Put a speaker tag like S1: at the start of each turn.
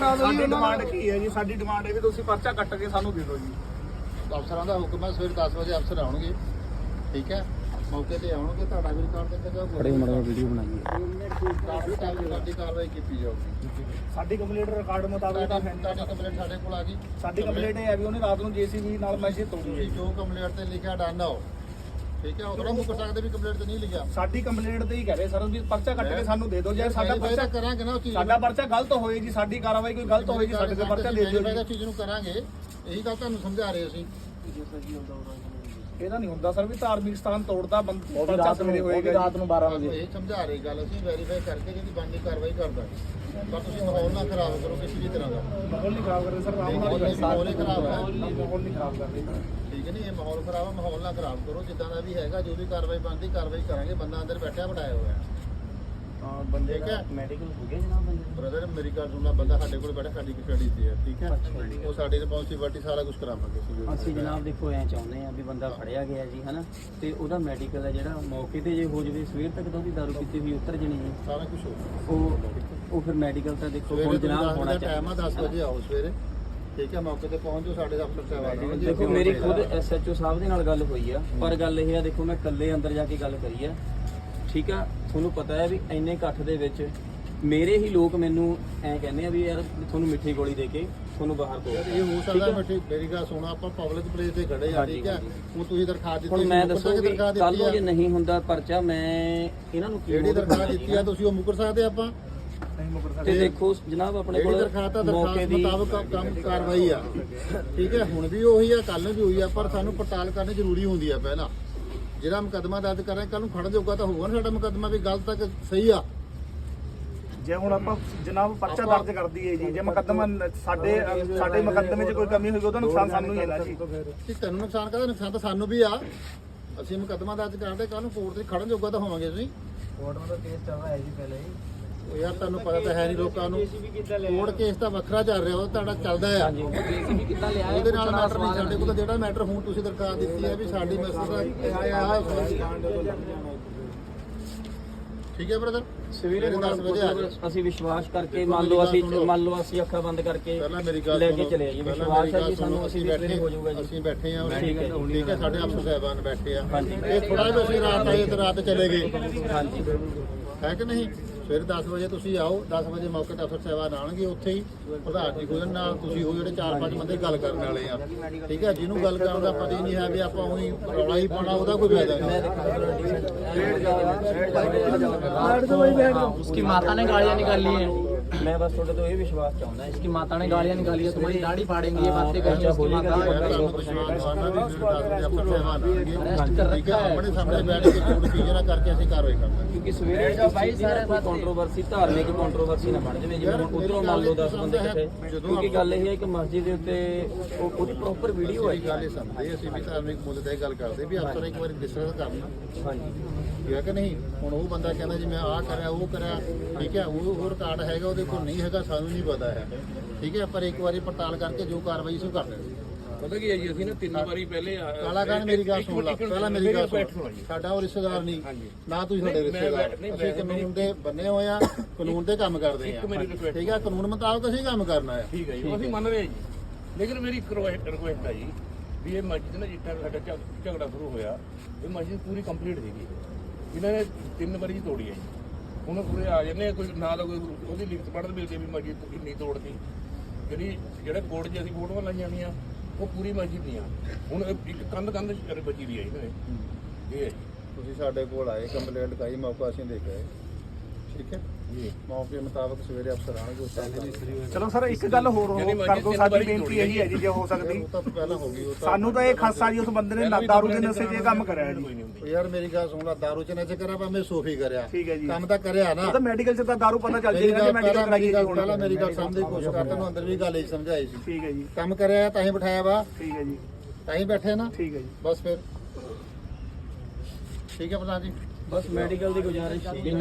S1: ਕਰਾ ਦਿਓ ਜੀ।
S2: ਡਿਮਾਂਡ ਕੀ ਹੈ ਜੀ? ਸਾਡੀ ਡਿਮਾਂਡ ਹੈ ਵੀ ਤੁਸੀਂ ਪਰਚਾ ਕੱਟ ਕੇ ਸਾਨੂੰ ਦੇ ਦਿਓ ਜੀ।
S3: ਅਫਸਰਾਂ ਦਾ ਹੁਕਮ ਹੈ ਸਵੇਰ 10 ਵਜੇ ਅਫਸਰ ਆਉਣਗੇ, ਠੀਕ ਹੈ, ਮੌਕੇ ਤੇ ਆਉਣਗੇ, ਤੁਹਾਡਾ ਵੀ ਰਿਕਾਰਡ ਦਿੱਤਾ ਜਾਊਗਾ।
S1: ਬੜੇ ਮੜਾ ਵੀਡੀਓ ਬਣਾਈਏ,
S3: ਤੁਹਾਡੀ ਕਾਰਵਾਈ ਕੀਤੀ ਜਾਊਗੀ।
S2: ਸਾਡੀ ਕੰਪਲੀਟ ਰਿਕਾਰਡ ਮੁਤਾਬਕ ਤਾਂ
S3: ਤੁਹਾਡੀ ਕੰਪਲੇਂਟ ਸਾਡੇ ਕੋਲ ਆ ਗਈ।
S2: ਸਾਡੀ ਕੰਪਲੀਟ ਇਹ ਹੈ ਵੀ ਉਹਨੇ ਰਾਤ ਨੂੰ ਜੀਸੀਬੀ ਨਾਲ ਮੈਸੇਜ ਤੋੜੀ ਹੈ।
S3: ਜੋ ਕੰਪਲੇਂਟ ਤੇ ਲਿਖਿਆ ਡਨ ਆਓ, ਠੀਕ ਹੈ, ਉਹ ਥੋੜਾ ਮੁੱਕਰ ਸਕਦੇ ਵੀ ਕੰਪਲੇਂਟ ਤੇ ਨਹੀਂ ਲਿਖਿਆ।
S2: ਸਾਡੀ ਕੰਪਲੀਟ ਤੇ ਹੀ ਕਹਿ ਰਹੇ ਸਰ ਵੀ ਪਰਚਾ ਕੱਟ ਕੇ ਸਾਨੂੰ ਦੇ ਦਿਓ। ਜੇ ਸਾਡਾ ਪਰਚਾ
S3: ਕਰਾਂਗੇ ਨਾ, ਉਹ ਚੀਜ਼
S2: ਸਾਡਾ ਪਰਚਾ ਗਲਤ ਹੋਏ ਜੀ, ਸਾਡੀ ਕਾਰਵਾਈ ਕੋਈ ਗਲਤ ਹੋਏ ਜੀ, ਸਾਡੇ ਤੇ ਪਰਚਾ ਦੇ ਦਿਓ ਜੀ।
S3: ਚੀਜ਼ ਨੂੰ ਕਰਾਂਗੇ, ਇਹੀ ਗੱਲ ਤੁਹਾਨੂੰ ਸਮਝਾ ਰਹੇ ਅਸੀਂ।
S2: ਇਹਦਾ ਨਹੀਂ ਹੁੰਦਾ ਸਰ ਵੀ ਧਾਰਮਿਕ ਸਥਾਨ ਤੋੜਦਾ ਪਰਚਾ ਸਵੇਰੇ ਹੋਏਗਾ ਰਾਤ ਨੂੰ 12 ਵਜੇ।
S3: ਇਹ ਸਮਝਾ ਰਹੀ ਗੱਲ ਅਸੀਂ ਵੈਰੀਫਾਈ ਕਰਕੇ ਜਿਹੜੀ ਬਣਦੀ ਕਾਰਵਾਈ ਕਰਦਾ। ਪਰ ਤੁਸੀਂ ਮਾਹੌਲ ਨਾ ਖਰਾਬ ਕਰੋ ਕਿਸੇ ਵੀ ਤਰ੍ਹਾਂ ਦਾ।
S2: ਮਾਹੌਲ ਨਹੀਂ ਖਰਾਬ ਕਰ ਰਹੇ ਸਰ,
S3: ਮਾਹੌਲ ਹੀ ਖਰਾਬ ਹੈ,
S2: ਮਾਹੌਲ ਨਹੀਂ ਖਰਾਬ ਕਰ ਰਹੇ।
S3: ਠੀਕ ਹੈ ਨਹੀਂ, ਇਹ ਮਾਹੌਲ ਖਰਾਬ ਹੈ, ਮਾਹੌਲ ਨਾ ਖਰਾਬ ਕਰੋ। ਜਿੱਦਾਂ ਦਾ ਵੀ ਹੈਗਾ, ਜੋ ਵੀ ਕਾਰਵਾਈ ਬਣਦੀ ਕਾਰਵਾਈ ਕਰਾਂਗੇ। ਬੰਦਾ ਅੰਦਰ ਬੈਠਿਆ ਬਿਠਾਇਆ ਹੋਇਆ
S2: ਹਾਂ ਬੰਦੇ
S3: ਦਾ
S2: ਮੈਡੀਕਲ ਹੋ ਗਿਆ ਜਨਾਬ ਬੰਦੇ।
S3: ਬ੍ਰਦਰ ਮੇਰੀ ਗੱਲ ਸੁਣਨਾ, ਬੰਦਾ ਸਾਡੇ ਕੋਲ ਬੈਠਾ, ਸਾਡੀ ਕਸਟਡੀ ਤੇ ਹੈ, ਠੀਕ ਹੈ, ਉਹ ਸਾਡੀ ਰਿਸਪੌਂਸਿਬਿਲਟੀ ਸਾਰਾ ਕੁਝ ਕਰਾਵਾਂਗੇ
S1: ਅਸੀਂ ਜਨਾਬ ਦੇਖੋ ਐ ਚਾਹੁੰਦੇ ਆ ਵੀ ਬੰਦਾ ਫੜਿਆ ਗਿਆ ਜੀ ਹਨਾ, ਤੇ ਉਹਦਾ ਮੈਡੀਕਲ ਹੈ ਜਿਹੜਾ ਮੌਕੇ ਤੇ ਜੇ ਹੋ ਜਵੇ ਸਵੇਰ ਤੱਕ ਤਾਂ ਉਹਦੀ ਦਾਰੂ ਪੀਤੀ ਹੋਈ ਉਤਰ ਜਣੀ ਜੀ।
S3: ਸਾਰਾ ਕੁਝ ਹੋ
S1: ਉਹ ਫਿਰ ਮੈਡੀਕਲ ਤਾਂ ਦੇਖੋ ਹੁਣ ਜਨਾਬ ਹੋਣਾ ਚਾਹੀਦਾ।
S3: ਟਾਈਮ ਆ 10 ਵਜੇ ਆਓ ਸਵੇਰੇ, ਠੀਕ ਹੈ, ਮੌਕੇ ਤੇ ਪਹੁੰਚ ਜਾਓ। ਸਾਡੇ ਅਫਸਰ ਸਾਹਿਬਾਨ
S1: ਦੇਖੋ ਮੇਰੀ ਖੁਦ ਐਸਐਚਓ ਸਾਹਿਬ ਦੇ ਨਾਲ ਗੱਲ ਹੋਈ ਆ, ਪਰ ਗੱਲ ਇਹ ਆ ਦੇਖੋ ਮੈਂ ਇਕੱਲੇ ਅੰਦਰ ਜਾ ਕੇ ਗੱਲ ਕਰੀ ਆ, ਠੀਕ ਆ। ਤੁਹਾਨੂੰ ਪਤਾ ਹੈ ਵੀ ਇੰਨੇ ਇਕੱਠ ਦੇ ਵਿੱਚ ਮੇਰੇ ਹੀ ਲੋਕ ਮੈਨੂੰ ਐ ਕਹਿੰਦੇ ਆ ਵੀ ਯਾਰ ਤੁਹਾਨੂੰ ਮਿੱਠੀ ਗੋਲੀ ਦੇ ਕੇ ਤੁਹਾਨੂੰ ਬਾਹਰ ਤੋੜ।
S3: ਇਹ ਹੋ ਸਕਦਾ ਮਿੱਠੀ, ਮੇਰੀ ਗੱਲ ਸੁਣੋ, ਆਪਾਂ ਪਬਲਿਕ ਪਲੇਸ ਤੇ ਖੜੇ ਆ, ਠੀਕ ਹੈ, ਹੁਣ ਤੁਸੀਂ ਦਰਖਾਸਤ ਦਿੱਤੀ।
S1: ਹੁਣ ਮੈਂ ਦੱਸੋ ਵੀ ਕੱਲ ਨੂੰ ਜੇ ਨਹੀਂ ਹੁੰਦਾ ਪਰਚਾ, ਮੈਂ ਇਹਨਾਂ ਨੂੰ
S3: ਜਿਹੜੀ ਦਰਖਾਸਤ ਦਿੱਤੀ ਆ ਤੁਸੀਂ ਉਹ ਮੁਕਰ ਸਕਦੇ ਆਪਾਂ
S2: ਨਹੀਂ ਮੁਕਰ ਸਕਦੇ।
S1: ਤੇ ਦੇਖੋ ਜਨਾਬ ਆਪਣੇ ਕੋਲ
S3: ਮੌਕੇ ਦੀ ਮੁਤਾਬਕ ਕੰਮ ਕਾਰਵਾਈ ਆ, ਠੀਕ ਹੈ, ਹੁਣ ਵੀ ਉਹੀ ਆ, ਕੱਲ ਨੂੰ ਵੀ ਹੋਈ ਆ, ਪਰ ਸਾਨੂੰ ਪੜਤਾਲ ਕਰਨੀ ਜ਼ਰੂਰੀ ਹੁੰਦੀ ਆ। ਪਹਿਲਾਂ ਜਿਹੜਾ ਮੁਕੱਦਮਾ ਦਰਜ ਕਰ ਰਹੇ, ਕੱਲ ਨੂੰ ਫੜਨ ਜੋਗਾ ਤਾਂ ਹੋਊਗਾ ਨਾ ਸਾਡਾ ਮੁਕੱਦਮਾ ਵੀ ਗਲਤ ਤੱਕ ਸਹੀ ਆ।
S2: ਜੇ ਹੁਣ ਆਪਾਂ ਜਨਾਬ ਪਰਚਾ ਦਰਜ ਕਰ ਦਈਏ ਜੀ, ਜੇ ਮੁਕੱਦਮਾ ਸਾਡੇ ਮੁਕੱਦਮੇ 'ਚ ਕੋਈ ਕਮੀ ਹੋਈ ਉਹਦਾ ਨੁਕਸਾਨ ਸਾਨੂੰ ਹੀ ਹੈ ਨਾ ਜੀ।
S3: ਕਿ ਤੈਨੂੰ ਨੁਕਸਾਨ ਕਰਦਾ, ਨੁਕਸਾਨ ਤਾਂ ਸਾਨੂੰ ਵੀ ਆ। ਅਸੀਂ ਮੁਕੱਦਮਾ ਦਰਜ ਕਰਦੇ, ਕੱਲ ਨੂੰ ਕੋਰਟ 'ਚ ਖੜਨ ਜੋਗਾ ਤਾਂ ਹੋਵਾਂਗੇ ਅਸੀਂ।
S2: ਕੋਰਟ ਦਾ ਕੇਸ ਚੱਲ ਰਿਹਾ ਹੈ ਜੀ ਪਹਿਲੇ ਹੀ।
S3: ਉਹ ਯਾਰ ਤੁਹਾਨੂੰ ਪਤਾ ਤਾਂ ਹੈ ਨਹੀਂ ਲੋਕਾਂ ਨੂੰ, ਕੋਰਟ ਕੇਸ ਤਾਂ ਵੱਖਰਾ ਚੱਲ ਰਿਹਾ, ਉਹ ਤੁਹਾਡਾ ਚੱਲਦਾ ਆ। ਉਹਦੇ ਨਾਲ ਮੈਟਰ ਨਹੀਂ ਸਾਡੇ ਕੋਲ। ਜਿਹੜਾ ਮੈਟਰ ਹੁਣ ਤੁਸੀਂ ਦਰਖਾਸਤ ਦਿੱਤੀ ਹੈ ਵੀ ਸਾਡੀ ਮੈਸੇਜ ਦਾ ਠੀਕ ਹੈ ਬ੍ਰਦਰ,
S1: ਸਵੇਰੇ 10 ਵਜੇ ਅਸੀਂ ਵਿਸ਼ਵਾਸ ਕਰਕੇ ਮੰਨ ਲਓ ਅਸੀਂ ਅੱਖਾਂ ਬੰਦ ਕਰਕੇ
S3: ਪਹਿਲਾਂ ਮੇਰੀ ਗੱਲ
S1: ਲੈ ਕੇ ਚਲੇ ਜੀ। ਵਿਸ਼ਵਾਸ ਹੈ ਜੀ ਸਾਨੂੰ, ਅਸੀਂ ਬੈਠੇ ਹੋ ਜਾਊਗਾ ਜੀ।
S3: ਅਸੀਂ ਬੈਠੇ ਆ, ਠੀਕ ਹੈ, ਸਾਡੇ ਅਫਸਰ ਸਾਹਿਬਾਨ ਬੈਠੇ ਆ। ਇਹ ਥੋੜਾ ਜਿਹਾ ਅਸੀਂ ਰਾਤ ਆਏ ਤੇ ਰਾਤ ਚਲੇ ਗਏ,
S1: ਹਾਂਜੀ
S3: ਹੈ ਕਿ ਨਹੀਂ। ਫਿਰ 10 ਵਜੇ ਤੁਸੀਂ ਆਓ, 10 ਵਜੇ ਮੌਕੇ ਤੇ ਅਫਸਰ ਸਾਹਿਬਾਨ ਆਉਣਗੇ, ਉੱਥੇ ਹੀ ਪ੍ਰਧਾਨ ਜੀ ਖੁਦ ਨਾਲ ਤੁਸੀਂ ਹੋ, ਜਿਹੜੇ 4-5 ਬੰਦੇ ਗੱਲ ਕਰਨ ਵਾਲੇ ਆ, ਠੀਕ ਹੈ। ਜਿਹਨੂੰ ਗੱਲ ਕਰਨ ਦਾ ਪਤਾ ਹੀ ਨਹੀਂ ਹੈ ਵੀ ਆਪਾਂ ਉਹੀ ਰੌਲਾ ਹੀ ਪਾਉਣਾ, ਉਹਦਾ ਕੋਈ ਫਾਇਦਾ ਨਹੀਂ।
S4: उसकी माता ने गालियां निकाली हैं।
S1: मैं बस थोड़े तो ये विश्वास चाहूंगा है।
S4: इसकी माता ने गालियां निकाली है, तुम्हारी दाढ़ी फाड़ेंगे, ये बातें कही है उसकी माता।
S3: ਆਪਣੇ ਸਾਹਮਣੇ ਬੈਠ ਕੇ ਝੂਠ ਚੀਜ਼ਾਂ ਕਰਕੇ ਅਸੀਂ ਕਾਰਵਾਈ ਕਰਾਂਗੇ।
S1: क्योंकि सवेरे कोई कंट्रोवर्सी धार्मिक कंट्रोवर्सी ना बन जाए, जिवें उधरों मान लो 10 बंदे इकट्ठे, क्योंकि गल ये है कि मस्जिद ਦੇ ਉੱਤੇ ਉਹਦੀ ਪ੍ਰੋਪਰ ਵੀਡੀਓ ਹੈ।
S3: ਗੱਲ ਇਹ ਸਮਝਦੇ ਅਸੀਂ ਵੀ ਧਾਰਮਿਕ ਮੁੱਦੇ ਤੇ ਗੱਲ ਕਰਦੇ ਵੀ ਅਫਸਰ ਇੱਕ ਵਾਰੀ ਡਿਸਕਸ ਕਰਨਾ,
S1: ਹਾਂਜੀ
S3: ਠੀਕ ਹੈ ਕਿ ਨਹੀਂ। ਹੁਣ ਉਹ ਬੰਦਾ ਕਹਿੰਦਾ ਜੀ ਮੈਂ ਆਹ ਕਰਿਆ ਉਹ ਕਰਿਆ, ਠੀਕ ਹੈ, ਉਹ ਰਿਕਾਰਡ ਹੈਗਾ ਉਹਦੇ ਕੋਲ ਨਹੀਂ ਹੈਗਾ, ਸਾਨੂੰ ਨਹੀਂ ਪਤਾ ਹੈ, ਠੀਕ ਹੈ। ਪਰ ਇੱਕ ਵਾਰੀ ਪੜਤਾਲ ਕਰਕੇ ਜੋ ਕਾਰਵਾਈ ਅਸੀਂ ਕਰ ਲੈਣੀ।
S5: ਪਤਾ ਕੀ ਹੈ ਜੀ, ਅਸੀਂ ਨਾ 3 ਵਾਰੀ ਪਹਿਲੇ
S3: ਕਾਲਾਕਾਨ ਮੇਰੀ ਗੱਲ ਸੁਣ ਲਾ, ਪਹਿਲਾਂ ਮੇਰੀ ਗੱਲ ਸੁਣ। ਸਾਡਾ ਉਹ ਰਿਸ਼ਤੇਦਾਰ ਨਹੀਂ ਨਾ ਤੁਸੀਂ ਸਾਡੇ ਰਿਸ਼ਤੇਦਾਰ, ਅਸੀਂ ਕਾਨੂੰਨ ਦੇ ਬੰਨੇ ਹੋਏ ਆ, ਕਾਨੂੰਨ ਦੇ ਕੰਮ ਕਰਦੇ ਆ, ਠੀਕ ਹੈ। ਕਾਨੂੰਨ ਮੁਤਾਬਕ ਅਸੀਂ ਕੰਮ ਕਰਨਾ ਹੈ,
S5: ਠੀਕ ਹੈ ਜੀ, ਅਸੀਂ ਮੰਨ ਰਹੇ ਹਾਂ ਜੀ। ਲੇਕਿਨ ਮੇਰੀ ਇੱਕ ਰਿਕੁਐਸਟ ਹੈ ਜੀ ਵੀ ਇਹ ਮਸਜਿਦ ਨਾ ਜਿੱਦਾਂ ਸਾਡਾ ਝਗੜਾ ਸ਼ੁਰੂ ਹੋਇਆ, ਇਹ ਮਸਜਿਦ ਪੂਰੀ ਕੰਪਲੀਟ ਸੀਗੀ, ਇਹਨਾਂ ਨੇ 3 ਵਾਰੀ ਤੋੜੀ ਹੈ ਜੀ। ਹੁਣ ਪੂਰੇ ਆ ਜਾਂਦੇ ਕੋਈ ਨਾ ਤਾਂ ਕੋਈ ਉਹਦੀ ਲਿਖਤ ਪੜ੍ਹਨ ਮਿਲਦੀ ਵੀ ਮਸਜਿਦ ਕਿੰਨੀ ਤੋੜਦੀ, ਜਿਹੜਾ ਕੋਰਟ 'ਚ ਅਸੀਂ ਫੋਟੋਆਂ ਲਾਈਆਂ ਹੋਈਆਂ ਉਹ ਪੂਰੀ ਮਸਜਿਦ ਦੀਆਂ। ਹੁਣ ਇੱਕ ਕੰਧ ਬਚੀ ਦੀ ਹੈ ਇਹਨਾਂ ਨੇ, ਇਹ ਹੈ ਜੀ।
S3: ਤੁਸੀਂ ਸਾਡੇ ਕੋਲ ਆਏ, ਕੰਪਲੇਂਟ ਲਿਖਾਈ, ਮੌਕਾ ਅਸੀਂ ਦੇ ਕੇ ਆਏ, ਠੀਕ ਹੈ
S5: ਜੀ।
S3: ਮੌਕੇ ਮੁਤਾਬਕ ਸਵੇਰੇ ਅਫਸਰ ਆਣਗੇ ਉਸ ਟਾਈਮ।
S2: ਚਲੋ ਸਰ ਇੱਕ ਗੱਲ ਹੋਰ ਕਰ ਦਿਓ, ਸਾਡੀ ਬੇਨਤੀ ਇਹੀ ਹੈ ਜੀ, ਜੇ ਹੋ ਸਕਦੀ।
S3: ਉਹ ਤਾਂ ਪਹਿਲਾਂ ਹੋ ਗਈ, ਉਹ
S2: ਸਾਨੂੰ ਤਾਂ ਇਹ ਖਾਸਾ ਜੀ ਉਸ ਬੰਦੇ ਨੇ ਦਾਰੂ ਦੇ ਨਸ਼ੇ 'ਚ ਇਹ ਕੰਮ ਕਰਿਆ ਜੀ।
S3: ਯਾਰ ਮੇਰੀ ਗੱਲ ਸੁਣ ਲਾ, ਦਾਰੂ ਚ ਨਸ਼ੇ ਕਰਿਆ ਭਾਵੇਂ ਸੋਫੀ ਕਰਿਆ,
S2: ਠੀਕ ਹੈ ਜੀ।
S3: ਕੰਮ ਤਾਂ ਕਰਿਆ ਨਾ।
S2: ਉਹ ਤਾਂ ਮੈਡੀਕਲ 'ਚ ਤਾਂ ਦਾਰੂ ਪਤਾ ਚੱਲ ਜਾਏਗਾ ਕਿ ਮੈਡੀਕਲ ਕਰਾਈ ਹੈ।
S3: ਪਹਿਲਾਂ ਮੇਰੀ ਗੱਲ ਸਮਝਣ ਦੀ ਕੋਸ਼ਿਸ਼ ਕਰ, ਤੈਨੂੰ ਅੰਦਰ ਵੀ ਗੱਲ ਹੀ ਸਮਝਾਈ ਸੀ।
S2: ਠੀਕ ਹੈ ਜੀ,
S3: ਕੰਮ ਕਰਿਆ ਤਾਂ ਹੀ ਬਿਠਾਇਆ ਵਾ,
S2: ਠੀਕ ਹੈ ਜੀ,
S3: ਤਾਂ ਹੀ ਬੈਠੇ ਨਾ,
S2: ਠੀਕ ਹੈ ਜੀ।
S3: ਬਸ ਫਿਰ ਠੀਕ ਹੈ ਪ੍ਰਧਾਨ ਜੀ।
S1: ਬਸ ਮੈਡੀਕਲ ਦੀ ਗੁਜ਼ਾਰਿਸ਼ ਸੀ।